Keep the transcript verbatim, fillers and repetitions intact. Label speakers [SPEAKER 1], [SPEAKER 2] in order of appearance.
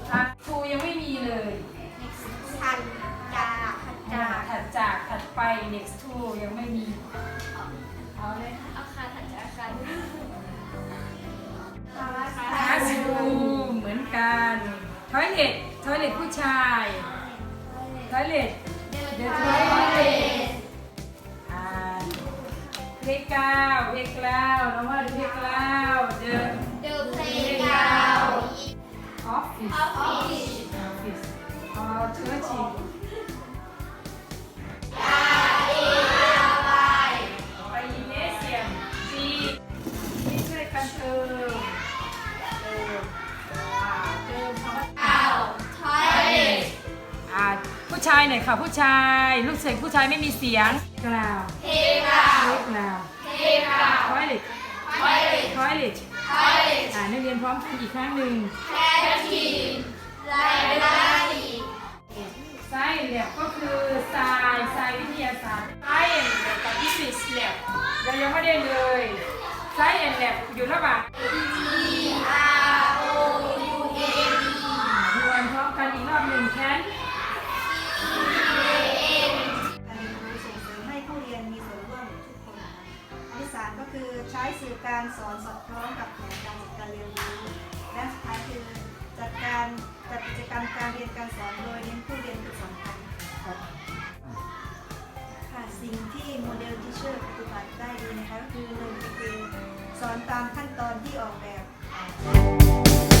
[SPEAKER 1] อ่ะทูยังไม่มีเลย
[SPEAKER 2] ถัดจากถัด
[SPEAKER 1] อ่า
[SPEAKER 2] จาก
[SPEAKER 1] ถัดจากถัดไป next to ยังไม่มีเอาเลย
[SPEAKER 2] อาคารถัดจากอาคาร
[SPEAKER 1] classroom เหมือนกัน toilet toilet ผู้ชาย toilet the toilet อ่า playground playground น้องว่า playground the
[SPEAKER 2] เดิมเพลงกาว
[SPEAKER 1] office
[SPEAKER 2] ออฟฟิศ
[SPEAKER 1] office or church ไปยิมเนเซียมจีที่ช่วยกันเติมเติมอ่าเติมคำว่า
[SPEAKER 2] เก่าทอยเล็ต
[SPEAKER 1] อ่าผู้ชายหน่อยค่ะผู้ชายลูกเสียงผู้ชายไม่มีเสียงกล่าว
[SPEAKER 2] เพลงกาว
[SPEAKER 1] เล็กกล่าว
[SPEAKER 2] เพลงกาว
[SPEAKER 1] ทอยเล็ต
[SPEAKER 2] ทอยเล็ต
[SPEAKER 1] ทอยเล็ต
[SPEAKER 2] ทอยเล็ต
[SPEAKER 1] อ่านักเรียนพร้อมกันอีกครั้งหนึ่ง
[SPEAKER 2] แคททีนไลบรารี
[SPEAKER 1] ไซแลบก็คือไซไซวิทยาศาสตร์ไซแอนแลบกับฟิสิกส์แลบเรายังไม่ได้เลยไซแอนแลบอยู่ระหว่าง
[SPEAKER 2] R O U N E
[SPEAKER 1] รวมพร้อมกันอีกรอบหนึ่งแคน
[SPEAKER 3] การเรียนรู้ส่งเสริมให้ผู้เรียนมีส่วนร่วมทุกคนนะคะอันที่สามก็คือใช้สื่อการสอนสอดคล้องกับแผนการจัดการเรียนรู้และสุดท้ายคือจัดการจัดกิจกรรมการเรียนการสอนโดยเน้นผู้เรียนเป็นสำคัญครับค่ะสิ่งที่โมเดลทิเชอร์ปฏิบัติได้ดีนะคะก็คือหนึ่งก็คือสอนตามขั้นตอนที่ออกแบบ